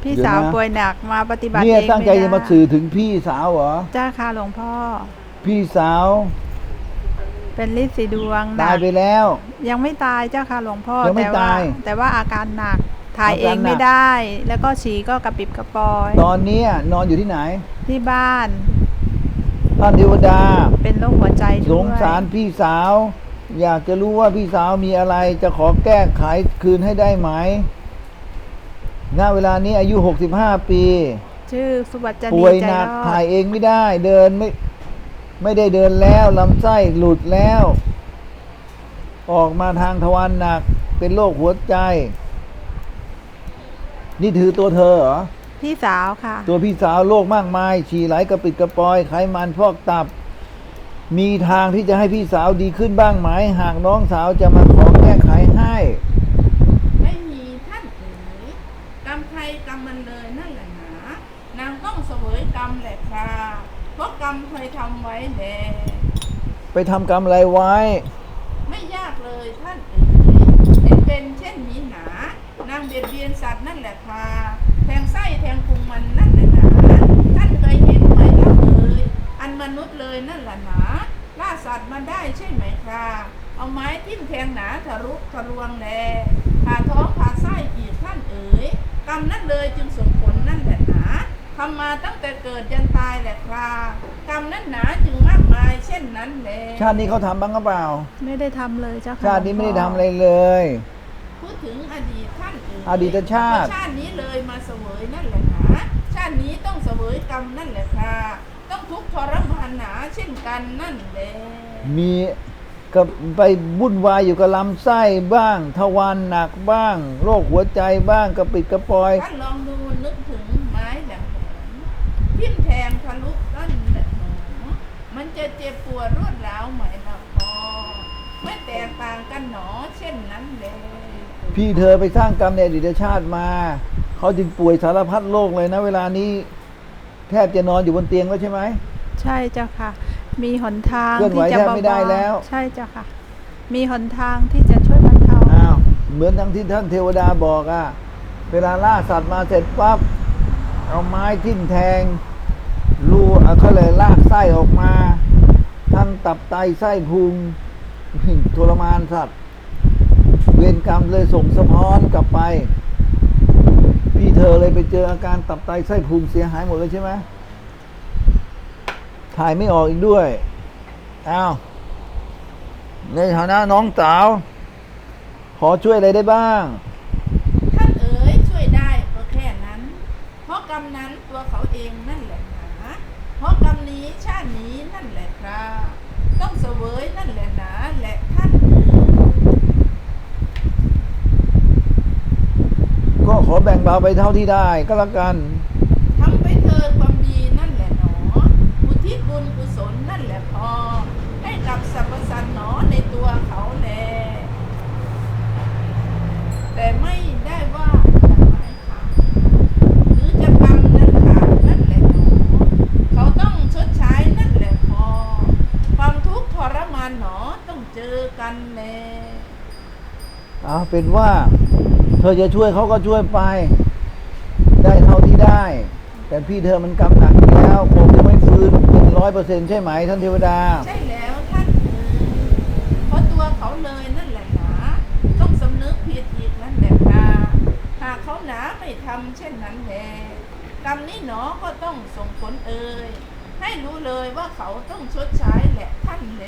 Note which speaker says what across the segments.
Speaker 1: พี่สาวป่วยหนักมาปฏิบัติ
Speaker 2: เนี่ย
Speaker 1: เอง
Speaker 2: ตั้งใจจะมาสื่อถึงพี่สาวเหรอ
Speaker 1: จ้าค่ะหลวงพ่อ
Speaker 2: พี่สาว
Speaker 1: เป็นฤทธิ์สีดวง
Speaker 2: ตายไปแล้ว
Speaker 1: ยังไม่ตายเจ้าค่ะหลวงพ่อ
Speaker 2: ยังไม่ตาย
Speaker 1: แต่ว่าอาการหนักถ่ายเองไม่ได้แล้วก็ฉี่ก็กระปิบกระปอย
Speaker 2: ตอนนี้นอนอยู่ที่ไหน
Speaker 1: ที่บ้าน
Speaker 2: ท่านเทวดา
Speaker 1: เป็นโรคหัวใจด้วย
Speaker 2: สงสารพี่สาวอยากจะรู้ว่าพี่สาวมีอะไรจะขอแก้ไขคืนให้ได้ไหมณเวลานี้อายุ65ปี
Speaker 1: ชื่อสุวัจนี
Speaker 2: ป่วยหนักถ่ายเองไม่ได้เดินไม่ได้เดินแล้วลำไส้หลุดแล้วออกมาทางทวารหนักเป็นโรคหัวใจนี่ถือตัวเธอเหรอ
Speaker 1: พี่สาวค่ะ
Speaker 2: ตัวพี่สาวโรคมากมายฉี่ไหลกระปิดกระปอยไขมันพอกตับมีทางที่จะให้พี่สาวดีขึ้นบ้างไหมหากน้องสาวจะมาขอแก้ไขให้
Speaker 3: ไม่มีท่านเอ๋ยกรรมใครกรรมมันเลยนั่นแหละหนานางต้องเสวยกรรมแหละค่ะเพราะกรรมเคยทำไว้แล
Speaker 2: ไปทำกรรมอะไรไว้
Speaker 3: ไม่ยากเลยท่านเอ๋ยเป็นเช่นนี้หนานางเบียดเบียนสัตว์นั่นแหละค่ะแทงไส้แทงพุงมันนั่นแหละหนาท่านเคยเห็นไหมล่ะเอ๋ยอันมนุษย์เลยนั่นแหละหนาล่าสัตว์มาได้ใช่ไหมค่ะเอาไม้ทิ่มแทงหนาทะลุทะลวงแลผ่าท้องผ่าไส้อีกท่านเอ๋ยกรรมนั่นเลยจึงส่งผลนั่นแหละหนาทำมาตั้งแต่เกิดยันตายแหละค่ะกรรมนั้นหนาจึงมากมายเช่นนั้นแหละ
Speaker 2: ชาตินี้เขาทำบ้างหรือเปล่า
Speaker 1: ไม่ได้ทำเลยเจ้าค่ะ
Speaker 2: ชาตินี้ไม่ได้ทำอะไรเลย
Speaker 3: พูดถึงอดีตท่านเอ๋ย
Speaker 2: อดีตชาติ
Speaker 3: นี้เลยมาเสวยนั่นแหละหนาชาตินี้ต้องเสวยกรรมนั่นแหละค่ะต้องทุกข์ทรมานหนาเช่นกันนั่นแหละ
Speaker 2: มีก็ไปวุ่นวายอยู่กับลำไส้บ้างทวารหนักบ้างโรคหัวใจบ้างกระปิดกระปอย
Speaker 3: ท่านลองดูนึกถึงไม้แหลมทิ่มแทงทะลุต้นแหลมมันจะเจ็บปวดรวดร้าวไหมล่ะพอไม่แตกต่างกันหนอเช่นนั้นเลย
Speaker 2: พี่เธอไปสร้างกรรมในอดีตชาติมาเขาจึงป่วยสารพัดโรคเลยนะเวลานี้แทบจะนอนอยู่บนเตียงแล้วใช่ไหม
Speaker 1: ใช่เจ้าค่ะมีหนทาง
Speaker 2: ที่จะไม่ได้แล้ว
Speaker 1: ใช่เจ้าค่ะมีหนทางที่จะช่วยบรรเทา
Speaker 2: เหมือนทั้งที่ท่านเทวดาบอกเวลาล่าสัตว์มาเสร็จปั๊บเอาไม้ทิ่มแทงรูเขาเลยลากไส้ออกมาทั้งตับไตไส้พุงทรมานสัตว์เวรกรรมเลยส่งสะท้อนกลับไปพี่เธอเลยไปเจออาการตับไตไส้พุงเสียหายหมดเลยใช่ไหมถ่ายไม่ออกอีกด้วยในฐานะน้องสาวขอช่วยอะไรได้บ้าง
Speaker 3: ท่านเอ๋ยช่วยได้ก็แค่นั้นเพราะกรรมนั้นตัวเขาเองนั่นแหละนะเพราะกรรมนี้ชาตินี้นั่นแหละครับต้องเสวยนั่นแหละนะแหละท่าน
Speaker 2: ก็ขอแบ่งเบาไปเท่าที่ได้ก็แล้วกัน
Speaker 3: ทำไปเธอความดีนั่นแหละหนออุทิศบุญกุศลนั่นแหละพอให้กับสรรพสัตว์หนอในตัวเขาแลแต่ไม่ได้ว่าจะหมายขาดหรือจะกรรมนั้นขาดนั่นแหละหนอเขาต้องชดใช้นั่นแหละพอความทุกข์ทรมานหนอต้องเจอกันแล
Speaker 2: เป็นว่าเธอจะช่วยเขาก็ช่วยไปได้เท่าที่ได้แต่พี่เธอมันกำหนักแล้วคงจะไม่ฟื้น100%ใช่ไหมท่านเทวดา
Speaker 3: ใช่แล้วท่านเพราะตัวเขาเลยนั่นแหละหนาต้องสำนึกผิดอีกนั่นแหละค่ะหากเขาหนาไม่ทำเช่นนั้นแลกรรมนี้หนอก็ต้องส่งผลให้รู้เลยว่าเขาต้องชดใช้แหละท่านแล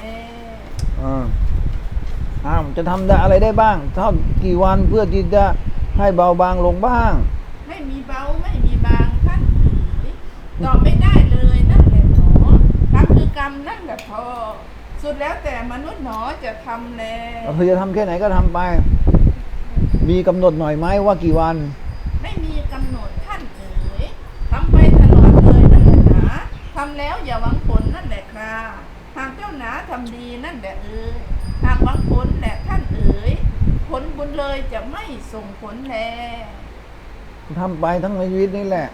Speaker 2: จะทำได้อะไรได้บ้างเท่ากี่วันเพื่อที่จะให้เบาบางลงบ้าง
Speaker 3: ไม่มีเบาไม่มีบางท่านตอบไม่ได้เลยนั่นแหละหนอกรรมคือกรรมนั่นแหละพอสุดแล้วแต่มนุษย์หนอจะทำแล
Speaker 2: เธอจะทำแค่ไหนก็ทำไปมีกำหนดหน่อยไหมว่ากี่วัน
Speaker 3: ไม่มีกำหนดท่านเอ๋ยทำไปตลอดเลยนั่นแหละหนาทำแล้วอย่าหวังผลนั่นแหละครับหากเจ้าหนาทำดีนั่นแหละหากหวังผลแหละท่านเอ๋ยผลบุญเลยจะไม่ส่งผลแล
Speaker 2: ทำไปทั้งชีวิตนี่แหละ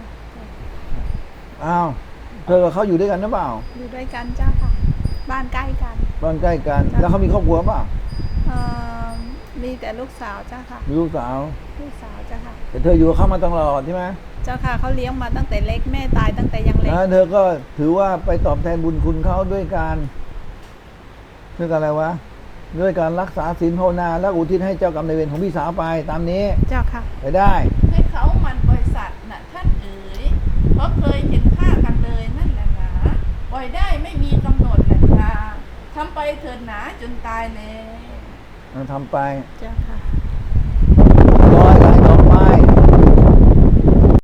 Speaker 2: เธอกับเขาอยู่ด้วยกันหรือเปล่า
Speaker 1: อยู่ด้วยกันเจ้าค่ะบ้านใกล้กัน
Speaker 2: บ้านใกล้กันแล้วเขามีครอบครัวเปล่า
Speaker 1: มีแต่ลูกสาวเจ้าค่ะ
Speaker 2: มีลูกสาว
Speaker 1: ลูกสาวเจ้าค่ะ
Speaker 2: แต่เธออยู่กับเขามาตลอดใช่ไหม
Speaker 1: เจ้าค่ะเขาเลี้ยงมาตั้งแต่เล็กแม่ตายตั้งแต่ยังเล็ก
Speaker 2: เธอก็ถือว่าไปตอบแทนบุญคุณเขาด้วยการอะไรวะด้วยการรักษาศีลภาวนาและอุทิศให้เจ้ากรรมนายเวรของพี่สาวไปตามนี้
Speaker 1: เจ้าค่ะ
Speaker 2: ไปได้
Speaker 3: ให้เขามันบริษัทน่ะท่านเอ๋ยเพราะเคยเห็นค่ากันเลยนั่นแหละหนาปล่อยได้ไม่มีกำหนดแหละค่ะทำไปเถิดหนาจนตายเลย
Speaker 2: ทำไป
Speaker 1: เจ้าค่ะ